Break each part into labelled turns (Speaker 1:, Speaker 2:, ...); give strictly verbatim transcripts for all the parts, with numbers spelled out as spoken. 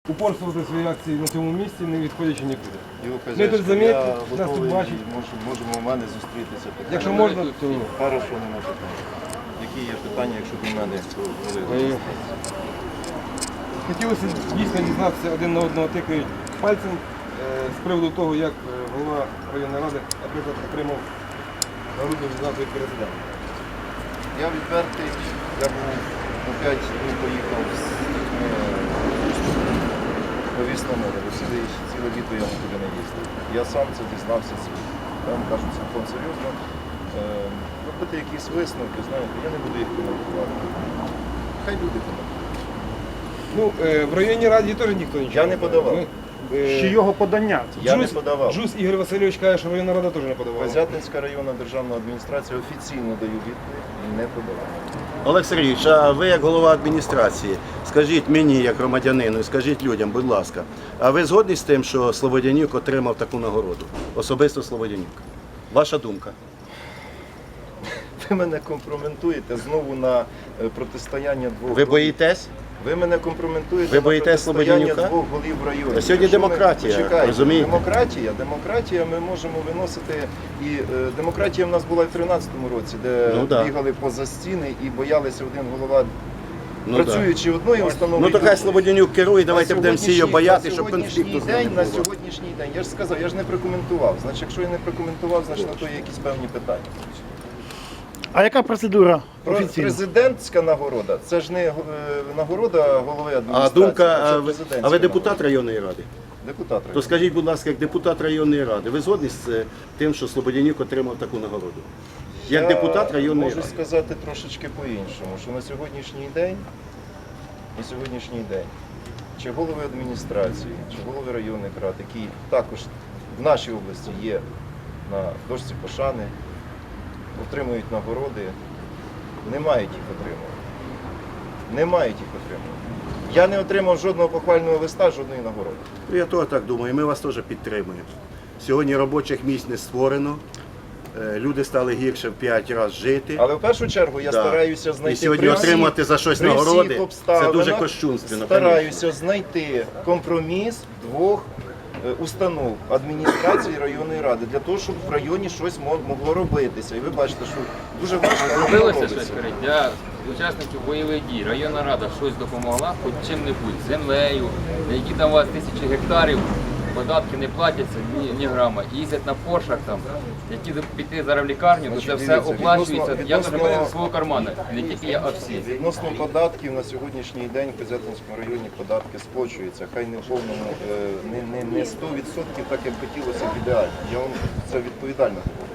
Speaker 1: упорствувати свої акції на цьому місці, не відходячи нікуди. Ми тут
Speaker 2: Я
Speaker 1: замітили, нас тут
Speaker 2: готовий,
Speaker 1: бачать.
Speaker 2: мож- можемо у мене зустрітися.
Speaker 1: Якщо можна, то
Speaker 2: Хорошо, нема питань. Які є питання, якщо до мене, то коли
Speaker 1: Е, хотілося дійсно дізнатися, один на одного тикають пальцем е, з приводу того, як е, голова районної ради, наприклад, отримав народну відзнаку від президента.
Speaker 2: Я відвертий, я був на п'ять днів поїхав з повіз на море, бо ціле, ціле літо я нікуди не їздив. Я сам це дізнався, я вам кажу цілком серйозно. Е, робити якісь висновки, знаєте, я не буду їх коментувати. Хай люди коментують.
Speaker 1: Ну, е, в районній раді теж ніхто нічого
Speaker 2: Я не подавав.
Speaker 1: Ми, е,
Speaker 3: Ще його подання.
Speaker 2: Я
Speaker 1: Джус-
Speaker 2: не подавав.
Speaker 1: Джус Ігор Васильович каже, що районна рада теж не подавала.
Speaker 2: Козятинська районна державна адміністрація офіційно даю відповідь, не подавала.
Speaker 4: Олег Сергійович, а ви як голова адміністрації, скажіть мені, як громадянину, і скажіть людям, будь ласка, а ви згодні з тим, що Слободянюк отримав таку нагороду? Особисто Слободянюк. Ваша думка?
Speaker 2: Ви мене компрометуєте знову на е, протистояння двох
Speaker 4: Ви
Speaker 2: голів.
Speaker 4: боїтесь?
Speaker 2: Ви мене компрометуєте
Speaker 4: Ви
Speaker 2: на
Speaker 4: боїтесь
Speaker 2: протистояння
Speaker 4: Слободянюка?
Speaker 2: двох голів району.
Speaker 4: Та сьогодні
Speaker 2: Якщо ми-
Speaker 4: демократія,
Speaker 2: Почекайте,
Speaker 4: розумієте?
Speaker 2: Демократія, демократія ми можемо виносити. І е, демократія в нас була і в тринадцятому році, де
Speaker 4: Ну, да.
Speaker 2: бігали поза стіни і боялися один голова,
Speaker 4: Ну, да.
Speaker 2: працюючи одної установи.
Speaker 4: Ну то хай
Speaker 2: другої.
Speaker 4: Слободянюк керує, давайте
Speaker 2: На
Speaker 4: будемо всі
Speaker 2: сьогоднішній-
Speaker 4: його бояти,
Speaker 2: на
Speaker 4: щоб
Speaker 2: сьогоднішній
Speaker 4: конфлікту з ним
Speaker 2: день,
Speaker 4: не
Speaker 2: на
Speaker 4: було.
Speaker 2: сьогоднішній день. Я ж сказав, я ж не прокоментував. Значить, якщо я не прокоментував, значить на то є якісь певні питання.
Speaker 3: А яка процедура
Speaker 2: Про-
Speaker 3: офіційна?
Speaker 2: Президентська нагорода, це ж не е, нагорода голови
Speaker 4: А
Speaker 2: адміністрації.
Speaker 4: думка,
Speaker 2: це
Speaker 4: а ви,
Speaker 2: президентська
Speaker 4: а ви депутат
Speaker 2: нагорода.
Speaker 4: районної ради?
Speaker 2: Депутат
Speaker 4: То
Speaker 2: районної.
Speaker 4: скажіть, будь ласка, як депутат районної ради, ви згодні з е, тим, що Слободянюк отримав таку нагороду? Як
Speaker 2: Я
Speaker 4: депутат районної
Speaker 2: можу
Speaker 4: ради?
Speaker 2: сказати трошечки по-іншому, що на сьогоднішній день, на сьогоднішній день, чи голови адміністрації, чи голови районних рад, які також в нашій області є на дошці пошани, отримують нагороди, не мають їх отримувати. Не мають їх отримувати. Я не отримав жодного похвального листа, жодної нагороди.
Speaker 4: Ну, я теж так думаю, ми вас теж підтримуємо. Сьогодні робочих місць не створено, е, люди стали гірше в п'ять разів жити.
Speaker 2: Але в першу чергу я
Speaker 4: Да.
Speaker 2: стараюся знайти
Speaker 4: І сьогодні
Speaker 2: при всіх-
Speaker 4: отримати за щось
Speaker 2: при всіх
Speaker 4: нагороди, це
Speaker 2: обставинах
Speaker 4: дуже кощунственно.
Speaker 2: Стараюся знайти компроміс двох е, установ адміністрації районної ради для того, щоб в районі щось мо- могло робитися. І ви бачите, що дуже важко але воно
Speaker 5: Робилося
Speaker 2: робиться.
Speaker 5: щось скажіть, для учасників бойових дій. Районна рада щось допомогла, хоч чим-небудь, землею, на які там у вас тисячі гектарів, податки не платяться, ні, ні грама. Їздять на поршах там, які піти зараз в лікарню, то це
Speaker 2: Значить,
Speaker 5: все
Speaker 2: дивіться,
Speaker 5: оплачується.
Speaker 2: відносно-
Speaker 5: Я
Speaker 2: відносно-
Speaker 5: зробив з свого карману, не тільки я, а всі.
Speaker 2: Відносно податків на сьогоднішній день в Козятинському районі податки сплачуються. Хай не в повному, е, не, не, не сто відсотків, так як хотілося б ідеально. Я вам це відповідально говорю.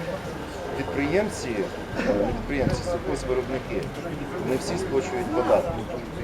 Speaker 2: Підприємці, е, не підприємці, сільхозвиробники, не всі сплачують податки.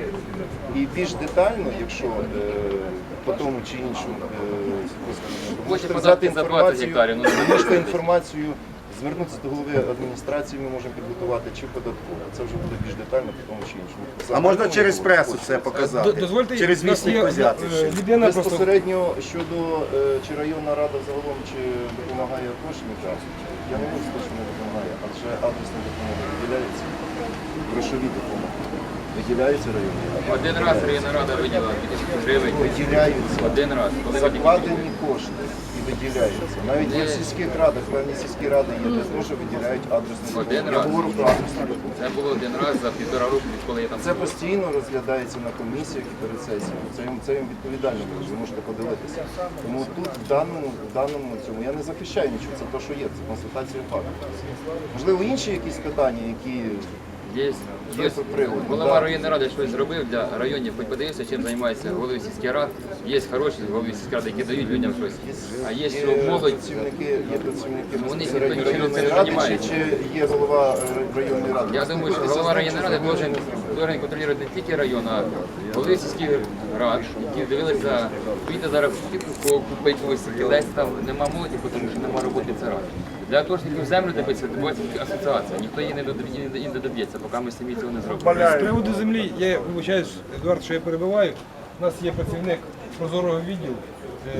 Speaker 2: І більш детально, якщо е, по тому чи іншому е, сільхозвиробнику,
Speaker 5: Хоче
Speaker 2: можете
Speaker 5: податки
Speaker 2: взяти
Speaker 5: за двадцять
Speaker 2: інформацію,
Speaker 5: гектарів, ну,
Speaker 2: ви можете інформацію звернутися до голови адміністрації, ми можемо підготувати чи податково. Це вже буде більш детально по тому чи іншому.
Speaker 4: А можна
Speaker 2: Загально
Speaker 4: через
Speaker 2: ми
Speaker 4: пресу
Speaker 2: говоримо.
Speaker 4: це показати?
Speaker 1: Д- Дозвольте,
Speaker 4: Через
Speaker 1: у нас
Speaker 4: вісник
Speaker 1: є,
Speaker 4: Козятинщини.
Speaker 1: е, людина просто
Speaker 2: Безпосередньо щодо е, чи районна рада загалом чи допомагає атошникам, я не можу сказати, що не допомагає, адже адресна допомога виділяється, грошові допомоги. Виділяються районні ради.
Speaker 5: Один раз районна рада виділила тисячу гривень.
Speaker 2: Виділяються.
Speaker 5: Один раз. Коли ви тільки-
Speaker 2: Закладені кошти і виділяються. Навіть в сільських радах, певні сільські ради є, де теж виділяють адресну допомогу.
Speaker 5: Один
Speaker 2: Я
Speaker 5: раз.
Speaker 2: говорю про адресну допомогу.
Speaker 5: Це було один раз за півтора року, відколи я там
Speaker 2: Це постійно розглядається на комісіях і перед сесіями. Це їм це їм відповідально буде, ви можете подивитися. Тому тут в даному в даному цьому я не захищаю нічого, це те, що є, це констатація факту. Можливо, інші якісь питання, які
Speaker 5: Є,
Speaker 2: Є
Speaker 5: є
Speaker 2: привод,
Speaker 5: голова
Speaker 2: да.
Speaker 5: районної ради щось зробив для районів, хоч подивився, чим займається голови сільських рад. Є хороші голови сільських рад, які дають людям щось. А є, що молодь,
Speaker 2: працівники, є працівники
Speaker 5: Вони
Speaker 2: безпосередньо
Speaker 5: ніхто нічим
Speaker 2: районної
Speaker 5: не
Speaker 2: ради,
Speaker 5: займається.
Speaker 2: чи, чи є голова е, районної ради?
Speaker 5: я думаю, що голова районної ради должен, должен контролювати не тільки район, а голови сільських рад, які дивилися, вийти зараз в купити ось кілець, там нема молоді, тому що нема роботи це ради. Для того, щоб землю добитися, добувається тільки асоціація. Ніхто її не додоб'є- її не доб'ється, поки ми самі цього не зробимо.
Speaker 1: з приводу землі, я вибачаюсь, Едуард, що я перебиваю. У нас є працівник прозорого відділу. Е,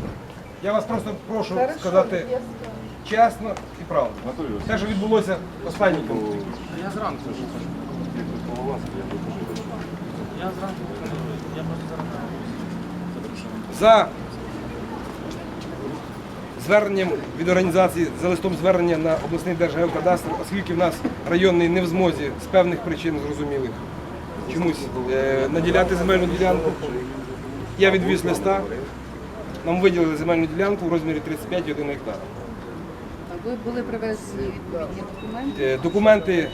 Speaker 1: Я вас просто прошу сказати чесно і правду. Те, що відбулося останній конфлікт.
Speaker 5: Я зранку вже кажу. Я зранку кажу, я можу зараз.
Speaker 1: За зверненням від організації, за листом звернення на обласний держгеокадастр, оскільки в нас районний не в змозі з певних причин зрозумілих чомусь е, наділяти земельну ділянку, я відвіз листа, нам виділили земельну ділянку в розмірі тридцять п'ять цілих одна десята гектара.
Speaker 6: Ви були привезені відповідні документи.
Speaker 1: Е, Документи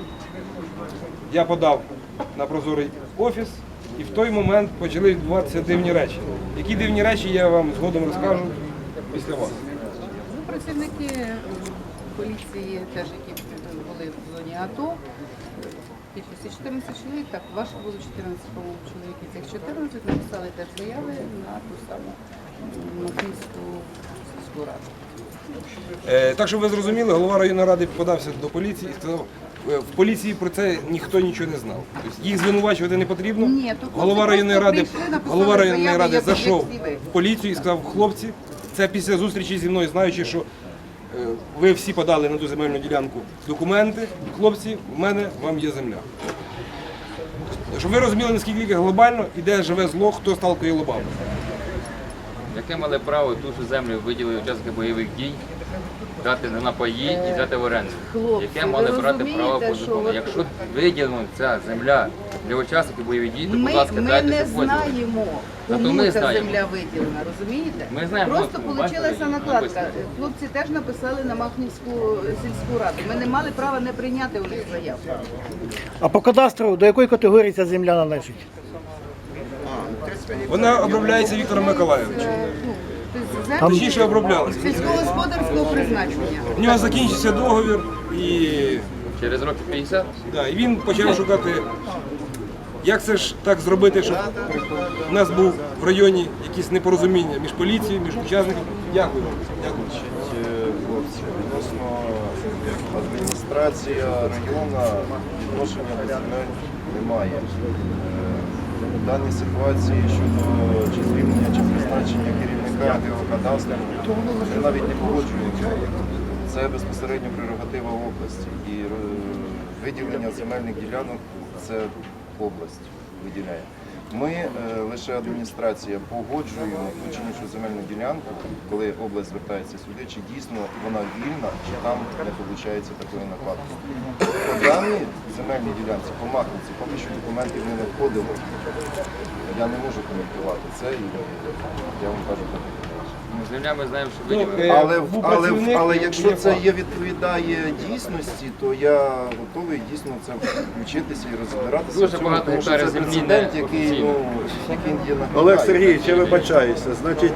Speaker 1: я подав на прозорий офіс, і в той момент почали відбуватися дивні речі. Які дивні речі, я вам згодом розкажу після вас.
Speaker 6: Ну, працівники поліції, теж які були в зоні АТО, кількості чотирнадцять чоловік, так, ваших було чотирнадцять, по-моєму, чоловік, і цих чотирнадцять написали теж заяви на ту саму Махнівську сільську раду.
Speaker 1: Е, Так, щоб ви зрозуміли, голова районної ради подався до поліції і сказав, е, в поліції про це ніхто нічого не знав. Тобто їх звинувачувати не потрібно.
Speaker 6: Ні, то хлопці
Speaker 1: Голова районної
Speaker 6: просто
Speaker 1: ради,
Speaker 6: прийшли, написали
Speaker 1: голова районної
Speaker 6: заяви,
Speaker 1: ради
Speaker 6: як- як
Speaker 1: зайшов
Speaker 6: всі ви.
Speaker 1: в поліцію і сказав, хлопці, це після зустрічі зі мною, знаючи, що е, ви всі подали на ту земельну ділянку документи, хлопці, в мене, вам є земля. Щоб ви розуміли, наскільки глобально і де живе зло, хто сталкує лобами.
Speaker 5: Яке мали право ту ж землю виділили учасники бойових дій, дати на напої і взяти в оренду?
Speaker 6: Хлопці,
Speaker 5: Яке мали
Speaker 6: ви
Speaker 5: брати право по
Speaker 6: розумієте, що
Speaker 5: закону?
Speaker 6: от-
Speaker 5: Якщо виділена ця земля для учасників бойових дій, то,
Speaker 6: Ми,
Speaker 5: будь ласка,
Speaker 6: ми
Speaker 5: дайте
Speaker 6: не
Speaker 5: це поділ.
Speaker 6: знаємо,
Speaker 5: Зато
Speaker 6: кому
Speaker 5: ми
Speaker 6: ця
Speaker 5: знаємо.
Speaker 6: земля виділена, розумієте?
Speaker 5: Ми знаємо,
Speaker 6: Просто
Speaker 5: от,
Speaker 6: вийшла
Speaker 5: бачите,
Speaker 6: накладка.
Speaker 5: написано.
Speaker 6: Хлопці теж написали на Махнівську сільську раду. Ми не мали права не прийняти у них заяву.
Speaker 3: А по кадастру до якої категорії ця земля належить?
Speaker 1: Вона обробляється Віктором Миколайовичем.
Speaker 6: Е, ну, тобто землі
Speaker 1: Точніше оброблялася.
Speaker 6: сільськогосподарського призначення.
Speaker 1: У нього закінчився договір і
Speaker 5: Через років п'ятдесят?
Speaker 1: Да, і він почав шукати, як це ж так зробити, щоб у нас був в районі якісь непорозуміння між поліцією, між учасниками. Дякую вам. Дякую.
Speaker 2: Значить, е, хлопці, відносно адміністрація району відношення до земель немає. Е, В даній ситуації щодо чи звільнення, чи призначення керівника геокадастру, ми навіть не погоджуємося. Це безпосередньо прерогатива області. І е, виділення земельних ділянок це область виділяє. Ми е, лише адміністрація погоджуємо ту чи іншу земельну ділянку, коли область звертається сюди, чи дійсно вона вільна, чи там не виходить такої накладки. По даній земельній ділянці, по Махниці, поки що документів не надходило. Я не можу коментувати це, і я вам кажу так.
Speaker 5: Ну, земля ми знаємо, що
Speaker 1: Ну,
Speaker 5: виділили.
Speaker 1: е,
Speaker 2: Але,
Speaker 1: був
Speaker 2: але,
Speaker 1: працівник,
Speaker 2: але
Speaker 1: є
Speaker 2: якщо це
Speaker 1: факт.
Speaker 2: є відповідає дійсності, то я готовий дійсно це включитися і розбиратися.
Speaker 5: Дуже
Speaker 2: в цьому,
Speaker 5: багато
Speaker 2: тому що
Speaker 5: гектарів
Speaker 2: це
Speaker 5: землі
Speaker 2: прецедент,
Speaker 5: не
Speaker 2: який,
Speaker 5: офіційно.
Speaker 2: ну, який є на
Speaker 4: Олег Сергійович, я вибачаюся. Значить,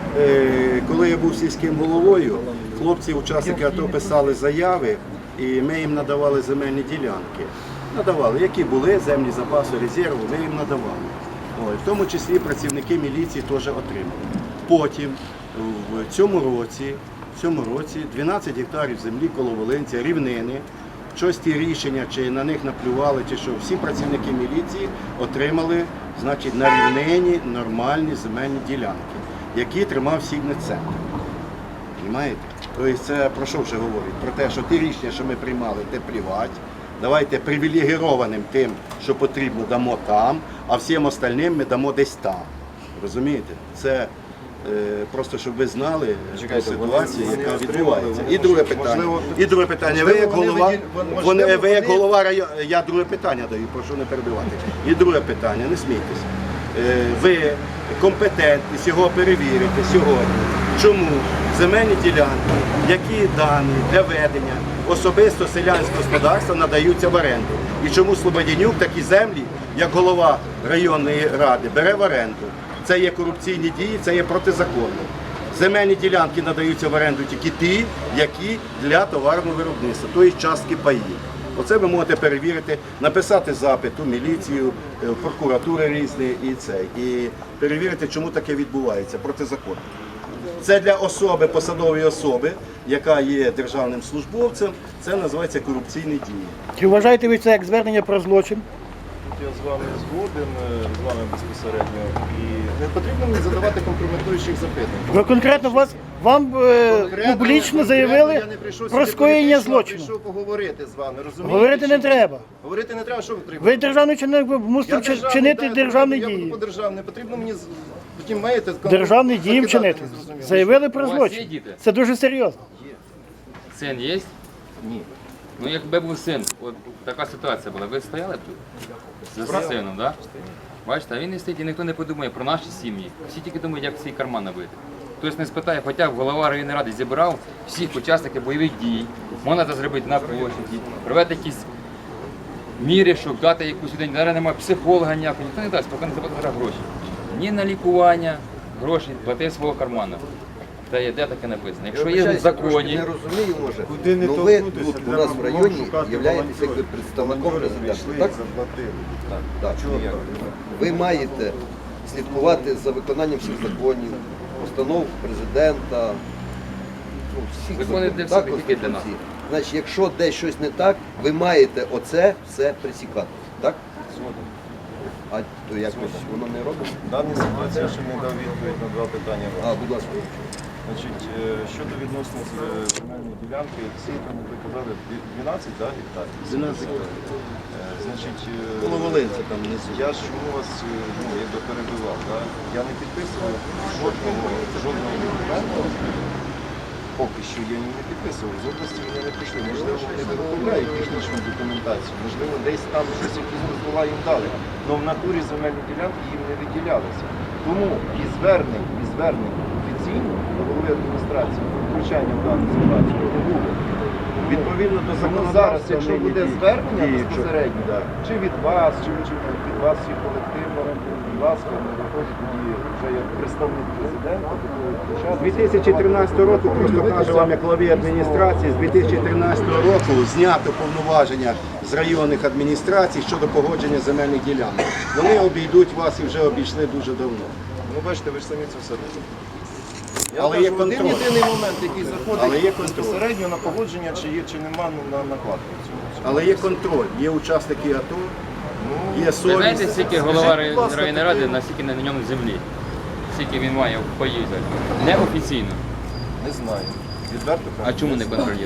Speaker 4: е, коли я був сільським головою, хлопці, учасники АТО писали заяви, і ми їм надавали земельні ділянки. Надавали, які були землі запасу резерву, ми їм надавали. Ой, в тому числі працівники міліції теж отримали. Потім в цьому році, в цьому році дванадцять гектарів землі коло Волинця, рівнини. Щось ті рішення, чи на них наплювали, чи що, всі працівники міліції отримали, значить, на рівнині нормальні земельні ділянки, які тримав Сігнет-центр. Понимаєте? Тобто це про що вже говорить? Про те, що ті рішення, що ми приймали, те плівать. Давайте привілегірованим тим, що потрібно, дамо там, а всім остальним ми дамо десь там. Розумієте? Це е, просто, щоб ви знали ту
Speaker 2: Чекайте,
Speaker 4: ситуацію,
Speaker 2: вони-
Speaker 4: яка
Speaker 2: вони
Speaker 4: відбувається.
Speaker 2: отримали,
Speaker 4: І друге
Speaker 2: можливо,
Speaker 4: питання. І друге питання. Ви як
Speaker 2: можливо, вони
Speaker 4: голова,
Speaker 2: виділ- можливо,
Speaker 4: вони, ви як
Speaker 2: вони-
Speaker 4: голова району, я друге питання даю, прошу не перебивати. І друге питання, не смійтесь. Е, Ви компетентні його перевірити сьогодні. Чому земельні ділянки, які дані для ведення особисто селянського господарства надаються в оренду? І чому Слободянюк такі землі, як голова районної ради, бере в оренду? Це є корупційні дії, це є протизаконно. Земельні ділянки надаються в оренду тільки ті, які для товарного виробництва, тобто частки паїв. Оце ви можете перевірити, написати запит у міліцію, е, в прокуратури різні і це. І перевірити, чому таке відбувається протизаконно. Це для особи, посадової особи, яка є державним службовцем, це називається корупційні дії.
Speaker 3: Чи вважаєте ви це як звернення про злочин?
Speaker 2: Я з вами згоден, е, з вами безпосередньо. І не потрібно мені задавати компрометуючих запитань.
Speaker 3: Ви конкретно вас вам е,
Speaker 2: Конкретно-
Speaker 3: публічно
Speaker 2: конкретно
Speaker 3: заявили
Speaker 2: я не прийшов
Speaker 3: про
Speaker 2: сюди
Speaker 3: скоєння
Speaker 2: політично, а
Speaker 3: злочину.
Speaker 2: прийшов поговорити з вами, розумієте?
Speaker 3: Говорити не
Speaker 2: чи ні?
Speaker 3: треба.
Speaker 2: Говорити не треба, що ви треба?
Speaker 3: Ви державний чинник, ви мусите
Speaker 2: Я
Speaker 3: вчи-
Speaker 2: державний,
Speaker 3: чинити
Speaker 2: да,
Speaker 3: державні
Speaker 2: я буду
Speaker 3: дії.
Speaker 2: по державній, не потрібно мені з- потім маєте
Speaker 3: Державні дії
Speaker 2: закидати
Speaker 3: вчинити.
Speaker 2: незрозуміло.
Speaker 3: Заявили про
Speaker 5: У вас є
Speaker 3: злочин.
Speaker 5: діти?
Speaker 3: Це дуже серйозно.
Speaker 5: Син є?
Speaker 2: Ні.
Speaker 5: Ну якби був син, от така ситуація була, ви стояли б тут? За сином, так? Бачите, а він не стоїть і ніхто не подумає про наші сім'ї. Всі тільки думають, як свій карман набити. Хтось не спитає, хоча б голова районної ради зібрав всіх учасників бойових дій. Можна це зробити на площаді, провести якісь міри, щоб дати якусь людині. Зараз немає психолога ніякого, ніхто не дасть, поки не заплатить зараз гроші. Ні на лікування, гроші плати з свого карману. Та є де таке написано. Якщо є в законі,
Speaker 7: Не розумію, може.
Speaker 8: Куди не
Speaker 7: Ну ви
Speaker 8: торкнутися,
Speaker 7: тут у
Speaker 8: треба
Speaker 7: нас в
Speaker 8: було
Speaker 7: районі
Speaker 8: шукати
Speaker 7: являєтесь
Speaker 8: волонтерів.
Speaker 7: якби представником президента.
Speaker 8: Прийшли,
Speaker 7: Так?
Speaker 8: заплатили.
Speaker 7: Так. Ви маєте слідкувати за виконанням всіх законів, постанов президента, ну, всіх
Speaker 5: Закони
Speaker 7: законів,
Speaker 5: для всіх,
Speaker 7: так,
Speaker 5: не тільки для нас.
Speaker 7: Конституції. Значить, якщо десь щось не так, ви маєте оце все присікати. Так? А то якось воно не робить?
Speaker 2: В даній ситуації я ще не дав відповідь на два питання.
Speaker 7: А, будь ласка.
Speaker 2: Значить, е, щодо відносно з, е, земельної ділянки, всі там ви казали дві- дванадцять да, гектарів.
Speaker 4: дванадцять
Speaker 2: Е, Значить, е,
Speaker 4: Коло Волинця там внизу.
Speaker 2: я ж чому вас е, ну, якби перебивав, да? Я не підписував жодного жодного документу. Поки що я їм не підписував. З області вони не прийшли. Можливо, вони виготовляють технічну документацію. Можливо, десь там щось якісь дозвола їм дали. Але в натурі земельні ділянки їм не виділялися. Тому і звернень, і звернень офіційно до голови адміністрації про втручання в дану ситуацію не було. Відповідно до закону зараз, якщо буде звернення безпосередньо, чи від вас, чи від від вас всіх колективно, будь ласка, не виходить тоді вже як представник президента.
Speaker 8: З дві тисячі тринадцятого року, просто кажу вам, як главі адміністрації, з дві тисячі тринадцятого року знято повноваження з районних адміністрацій щодо погодження земельних ділянок. Вони обійдуть вас і вже обійшли дуже давно.
Speaker 2: Ну бачите, ви ж самі це все розумієте. Я
Speaker 8: Але
Speaker 2: кажу,
Speaker 8: є
Speaker 2: один
Speaker 8: контроль.
Speaker 2: єдиний момент, який заходить
Speaker 8: Але є контроль.
Speaker 2: безпосередньо на погодження, чи є, чи нема на накладку в цьому.
Speaker 4: Але є контроль, є учасники АТО, є
Speaker 5: ви знаєте,
Speaker 4: совість.
Speaker 5: скільки голова районної ради, наскільки на ньому землі, скільки він має в паї, неофіційно.
Speaker 2: Не знаю. Відверто
Speaker 5: А
Speaker 2: кажу.
Speaker 5: чому не контролюють?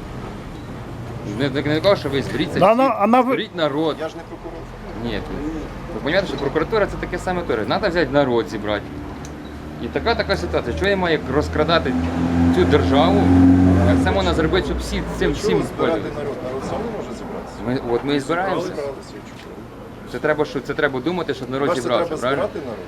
Speaker 5: Не, не, не кажу, що ви зберіться,
Speaker 3: Да, ну, а на ви-
Speaker 5: зберіть народ.
Speaker 2: Я ж не прокурор.
Speaker 5: Ні, ви розумієте, що прокуратура це таке саме теж. Треба взяти народ зібрати. І така така ситуація. Чого я маю розкрадати цю державу? Як це можна зробити, щоб всі цим всім
Speaker 2: Чого збирати
Speaker 5: пользувалися?
Speaker 2: народ? Народ сам не може зібратися.
Speaker 5: Ми, от ми і збираємося.
Speaker 2: Збиралися, я чую.
Speaker 5: Це треба, що це треба думати, щоб народ
Speaker 2: Ваше
Speaker 5: зібрався,
Speaker 2: треба
Speaker 5: правильно?
Speaker 2: збирати народ.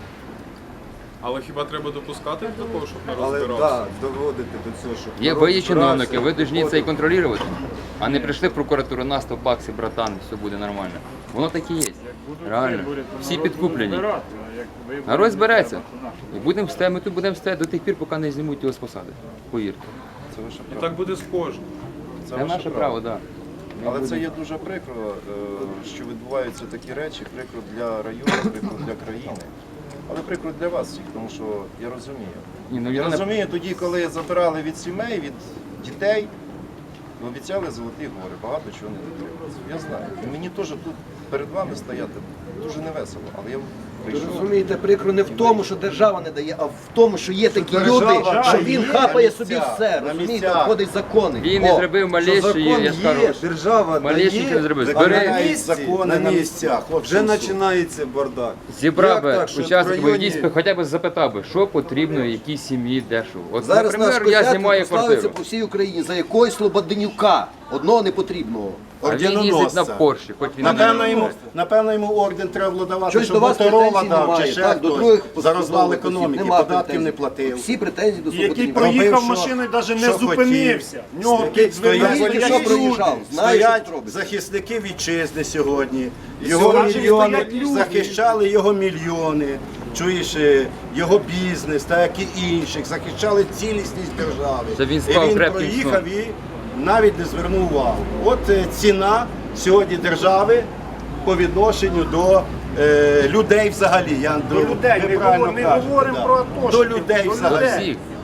Speaker 9: Але хіба треба допускати до того, щоб народ
Speaker 8: Але
Speaker 9: збирався?
Speaker 8: так, доводити до цього, щоб
Speaker 5: Є
Speaker 8: народ
Speaker 5: ви є
Speaker 8: збирався,
Speaker 5: чиновники, ви повинні це і
Speaker 8: виходив.
Speaker 5: контролювати. А не прийшли в прокуратуру на сто баксів, братан, все буде нормально. Воно так і є. Реально. Всі підкуплені. Народ збереться. І будемо стояти, ми тут будемо стояти до тих пір, поки не знімуть його з посади. Повірте.
Speaker 2: Це ваше
Speaker 9: І
Speaker 2: право.
Speaker 9: так буде з кожним.
Speaker 2: Це
Speaker 5: Це
Speaker 2: ваше
Speaker 5: наше право, так.
Speaker 2: Але це є дуже прикро, е, що відбуваються такі речі, прикро для району, прикро для країни. Але прикро для вас всіх, тому що я розумію.
Speaker 5: Ні, ну,
Speaker 2: Я
Speaker 5: людина-
Speaker 2: розумію, тоді, коли забирали від сімей, від дітей, обіцяли золоті гори, багато чого не дотрималося. Я знаю. І мені теж тут перед вами стояти дуже невесело, але я
Speaker 7: Ви
Speaker 2: прийшов.
Speaker 7: розумієте, прикро не в тому, що держава не дає, а в тому, що є такі люди,
Speaker 8: держава
Speaker 7: що
Speaker 8: дає
Speaker 7: він
Speaker 8: на
Speaker 7: хапає
Speaker 8: місцях,
Speaker 7: собі все.
Speaker 8: на
Speaker 7: Розумієте,
Speaker 8: місцях.
Speaker 7: входить закони.
Speaker 5: Він не
Speaker 7: О,
Speaker 5: зробив
Speaker 8: Що
Speaker 5: малейшої,
Speaker 8: закон
Speaker 5: я скажу.
Speaker 8: є, держава
Speaker 5: Малейший
Speaker 8: дає,
Speaker 5: не зробив.
Speaker 8: а
Speaker 5: Збери-
Speaker 8: на місці,
Speaker 4: Закони на місцях.
Speaker 8: Вже починається бардак.
Speaker 5: Зібрав
Speaker 8: Як
Speaker 5: би
Speaker 8: так, що
Speaker 5: учасник
Speaker 8: в
Speaker 5: бойових
Speaker 8: районі-
Speaker 5: дій, хоча б запитав би, що потрібно якій сім'ї, де що. От,
Speaker 7: Зараз наш
Speaker 5: наприклад, я
Speaker 7: Козятин
Speaker 5: знімаю
Speaker 7: прославиться
Speaker 5: квартиру.
Speaker 7: по всій Україні за якогось Слободенюка, одного непотрібного.
Speaker 5: А він їздить на
Speaker 4: орденоносця.
Speaker 5: Порші, хоч він
Speaker 4: Напевно
Speaker 5: не
Speaker 4: йому, напевно, йому орден треба було давати,
Speaker 7: Щось
Speaker 4: щоб
Speaker 7: до вас
Speaker 4: Моторова
Speaker 7: претензій
Speaker 4: дав, чи
Speaker 7: немає,
Speaker 4: ще
Speaker 7: так, до
Speaker 4: хтось
Speaker 7: других
Speaker 4: за розвал
Speaker 7: посадових осіб
Speaker 4: економіки,
Speaker 7: нема
Speaker 4: податків
Speaker 7: претензій.
Speaker 4: не платив.
Speaker 7: Всі претензії до
Speaker 10: Який
Speaker 7: Слободенюка.
Speaker 10: проїхав
Speaker 4: Робив, що-
Speaker 10: машиною, навіть не
Speaker 4: що
Speaker 10: зупинився. В нього
Speaker 4: Який
Speaker 10: під двома
Speaker 4: стоять-
Speaker 7: Тільки що
Speaker 10: стоять
Speaker 7: проїжджав,
Speaker 10: люди.
Speaker 7: знає, що
Speaker 4: Стоять
Speaker 7: тут робиться.
Speaker 4: захисники вітчизни сьогодні. Його
Speaker 10: сьогодні
Speaker 4: мільйони
Speaker 10: стоять люди.
Speaker 4: захищали його мільйони. Чуєш, е, його бізнес, так як і інших, захищали цілісність держави.
Speaker 5: Це він
Speaker 4: і
Speaker 5: спав
Speaker 4: він
Speaker 5: крепким
Speaker 4: проїхав і навіть не звернув увагу. От е, ціна сьогодні держави по відношенню до е, людей взагалі. Я,
Speaker 10: До людей,
Speaker 4: ви
Speaker 10: ми
Speaker 4: правильно
Speaker 10: говоримо- ми
Speaker 4: кажете,
Speaker 10: говоримо
Speaker 4: да.
Speaker 10: про атошників,
Speaker 4: До людей
Speaker 10: до
Speaker 5: до
Speaker 4: взагалі.
Speaker 5: всіх.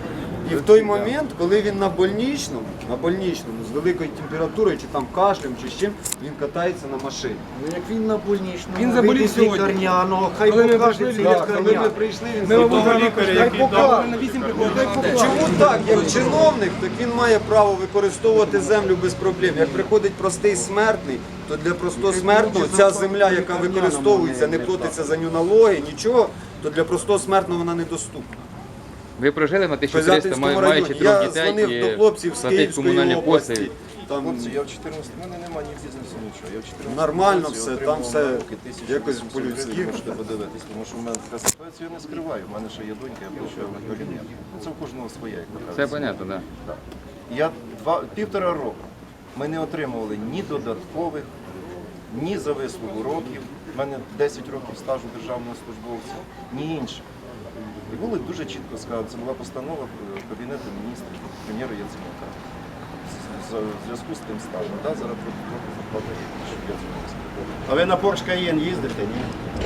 Speaker 8: І в той момент, коли він на больничному, на больничному, з великою температурою, чи там кашлем, чи з чим, він катається на машині.
Speaker 3: Ну як він на больничному,
Speaker 1: Він заболів
Speaker 3: вийде з
Speaker 1: сьогодні.
Speaker 3: лікарняного, хай
Speaker 1: Коли ми
Speaker 3: покаже
Speaker 1: прийшли,
Speaker 3: це
Speaker 1: да, коли ми
Speaker 3: лікарня.
Speaker 8: прийшли, він
Speaker 1: Ми
Speaker 8: з
Speaker 1: обрали
Speaker 8: того
Speaker 1: лікаря,
Speaker 8: лікаря,
Speaker 1: який
Speaker 8: який
Speaker 1: дав на вісім приходить.
Speaker 8: Чому так? Як чиновник, так він має право використовувати землю без проблем. Як приходить простий смертний, то для простого смертного ця земля, яка використовується, не платиться за нього налоги, нічого, то для простого смертного вона недоступна.
Speaker 5: Ви прожили на
Speaker 8: В
Speaker 5: тисячу триста,
Speaker 8: Козятинському
Speaker 5: маючи
Speaker 8: районі.
Speaker 5: трьох
Speaker 8: Я
Speaker 5: дітей
Speaker 8: дзвонив
Speaker 5: і
Speaker 8: до хлопців з
Speaker 5: платить
Speaker 8: Київської
Speaker 5: комунальні
Speaker 8: області.
Speaker 5: послуги.
Speaker 8: Там
Speaker 2: Хлопці, я в чотирнадцятому, в мене немає ні бізнесу, нічого. Я в чотирнадцятому
Speaker 8: Нормально
Speaker 2: році
Speaker 8: все,
Speaker 2: отримав
Speaker 8: там все
Speaker 2: на руки тисячу
Speaker 8: якось
Speaker 2: вісімсот
Speaker 8: по-людськи.
Speaker 2: гривень, можете подивитись, тому що в мене така ситуація, я не скриваю. У мене ще є донька, я плачу на кабінет. Ну, це у кожного своє, як то
Speaker 5: Це
Speaker 2: кажуть.
Speaker 5: понятно, так. Да.
Speaker 2: Я два, півтора року ми не отримували ні додаткових, ні за вислугу років. У мене десять років стажу державного службовця, ні інше. І було дуже чітко сказано, це була постанова Кабінету міністрів, прем'єра Яценюка. В зв'язку з тим станом. Да, зараз трохи трохи зарплата є, що я цього не скажу.
Speaker 4: А ви на Porsche Cayenne їздите, ні?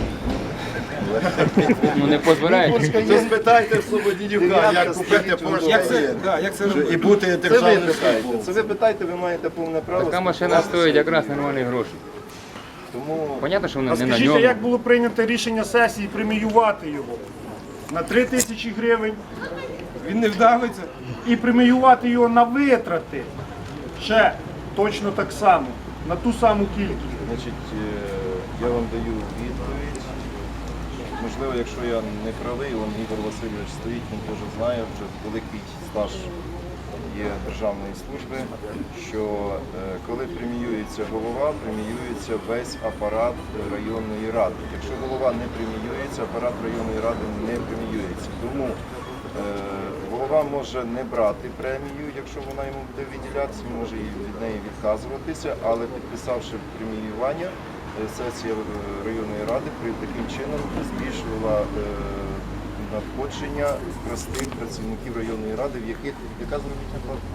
Speaker 5: Ну не дозволяють.
Speaker 4: То спитайте Слободянюка, як купити Porsche
Speaker 1: Як це,
Speaker 4: Cayenne.
Speaker 1: да, як це
Speaker 4: І
Speaker 1: робити?
Speaker 4: бути
Speaker 2: Це ви
Speaker 4: державним
Speaker 2: питаєте,
Speaker 4: службовцем.
Speaker 2: це ви питаєте, ви маєте повне право.
Speaker 5: Така машина
Speaker 2: спілкуватися.
Speaker 5: стоїть якраз нормальні гроші.
Speaker 2: Тому
Speaker 5: Понятно, що
Speaker 10: А
Speaker 5: воно не на
Speaker 10: скажіть,
Speaker 5: ньому.
Speaker 10: як було прийнято рішення сесії преміювати його на три тисячі гривень
Speaker 1: Він не вдавиться.
Speaker 10: і преміювати його на витрати ще точно так само, на ту саму кількість?
Speaker 2: Значить, е, я вам даю відповідь. Можливо, якщо я не правий, он Ігор Васильович стоїть, він теж знає, вже великий стаж є державної служби, що е, коли преміюється голова, преміюється весь апарат районної ради. Якщо голова не преміюється, апарат районної ради не преміюється. Тому е, голова може не брати премію, якщо вона йому буде виділятися, він може і від неї відказуватися, але підписавши преміювання, е, сесія е, районної ради при таким чином збільшувала е, надходження простих працівників районної ради, в яких яка заробітна плата?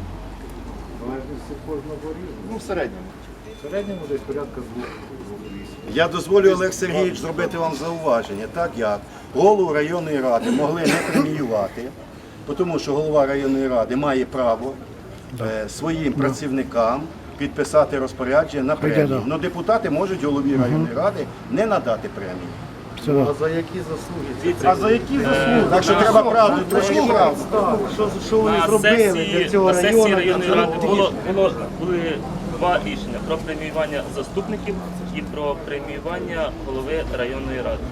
Speaker 2: Ну, в середньому.
Speaker 8: В середньому десь порядка двох.
Speaker 4: Я дозволю, Олег Сергійович, зробити вам зауваження, так як голову районної ради могли не преміювати, тому що голова районної ради має право е, своїм працівникам підписати розпорядження на премію. Але депутати можуть голові районної ради не надати премію.
Speaker 8: А за які заслуги?
Speaker 10: А за які заслуги?
Speaker 4: Так що треба правду, трошки правду.
Speaker 3: Що, що вони
Speaker 11: На
Speaker 3: зробили
Speaker 11: сесії,
Speaker 3: для цього
Speaker 11: на сесії
Speaker 3: району?
Speaker 11: районної ради було, було, були два рішення про преміювання заступників і про преміювання голови районної ради.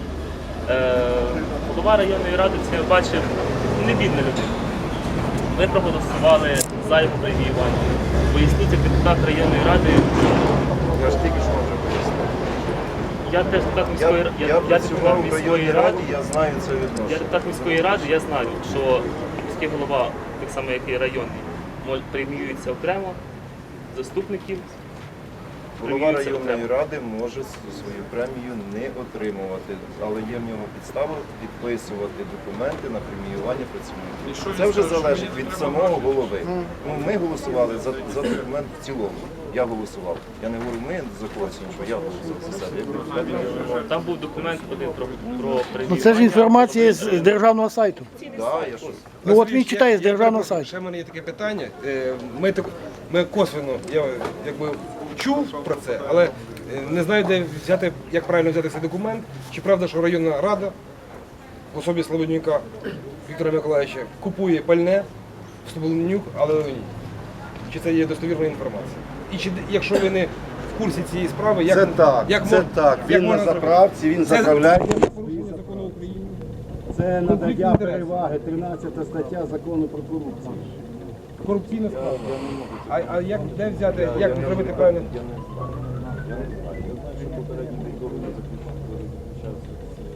Speaker 11: Е, голова районної ради, це я бачив, не бідна людина. Ми проголосували за його преміювання. Поясніть, як депутат районної ради.
Speaker 2: Я ж тільки що вже пояснив.
Speaker 11: Я теж депутат
Speaker 2: Я,
Speaker 11: міської,
Speaker 2: я,
Speaker 11: я, я
Speaker 2: працював
Speaker 11: депутат
Speaker 2: в
Speaker 11: міської
Speaker 2: районній
Speaker 11: ради.
Speaker 2: раді, я знаю це
Speaker 11: Я
Speaker 2: відношення.
Speaker 11: депутат міської ради, я знаю, що міський голова, так само як і районний, мож- преміюється окремо, заступників.
Speaker 2: Голова
Speaker 11: преміюється
Speaker 2: районної
Speaker 11: окремо.
Speaker 2: ради може свою премію не отримувати, але є в нього підстава підписувати документи на преміювання працівників. Це вже залежить від самого голови. Ну, ми голосували за, за документ в цілому. Я голосував. Я не говорю, ми за когось іншого, я голосував за себе. Як депутат я голосував.
Speaker 11: Там був документ один про, про
Speaker 3: Ну
Speaker 11: преміювання.
Speaker 3: це ж інформація з з державного сайту.
Speaker 2: Да, я що?
Speaker 3: Ну от він
Speaker 1: Я-
Speaker 3: читає з
Speaker 1: я
Speaker 3: державного
Speaker 1: перепрошую,
Speaker 3: сайту.
Speaker 1: Ще в мене є таке питання. Е, Ми, так, ми косвенно, я якби чув про це, але е, не знаю, де взяти, як правильно взяти цей документ. Чи правда, що районна рада в особі Слободянюка Віктора Миколаївича купує пальне в Слободянюк, але ні. Чи це є достовірна інформація? І чи якщо ви не в курсі цієї справи, як
Speaker 4: Це так,
Speaker 1: як
Speaker 4: це
Speaker 1: мож-
Speaker 4: так.
Speaker 1: як
Speaker 4: Він на
Speaker 1: можна зробити?
Speaker 4: заправці, він
Speaker 1: Це-
Speaker 4: заправляє.
Speaker 1: це порушення закону України.
Speaker 8: Це
Speaker 1: Конфлікт
Speaker 8: надання
Speaker 1: інтересів.
Speaker 8: переваги, тринадцята стаття закону про корупцію.
Speaker 1: Корупційна справа. А, а як де взяти, як зробити правильно?
Speaker 2: Я не знаю. Я не знаю. Я знаю, що попередній договір заключався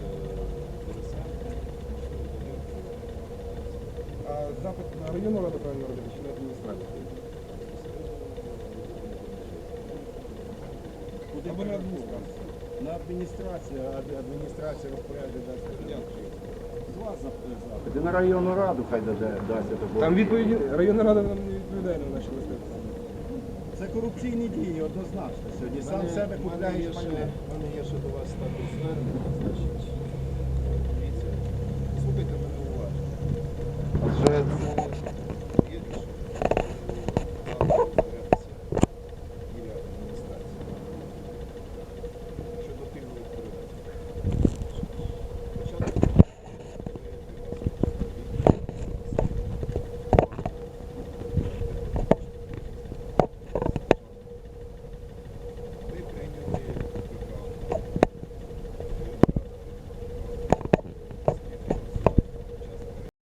Speaker 2: з
Speaker 1: А запит на районну раду правильно робити чи на адміністрацію? Або на адміністрацію.
Speaker 8: На адміністрацію, а адміністрація розпорядження дасть. З вас запити. На районну раду хай дасть.
Speaker 1: Там відповіді районна рада нам не відповідає на наші листи.
Speaker 8: Це корупційні дії, однозначно. Сьогодні сам себе купляєш.
Speaker 2: У мене є ще до вас також звернення, значить,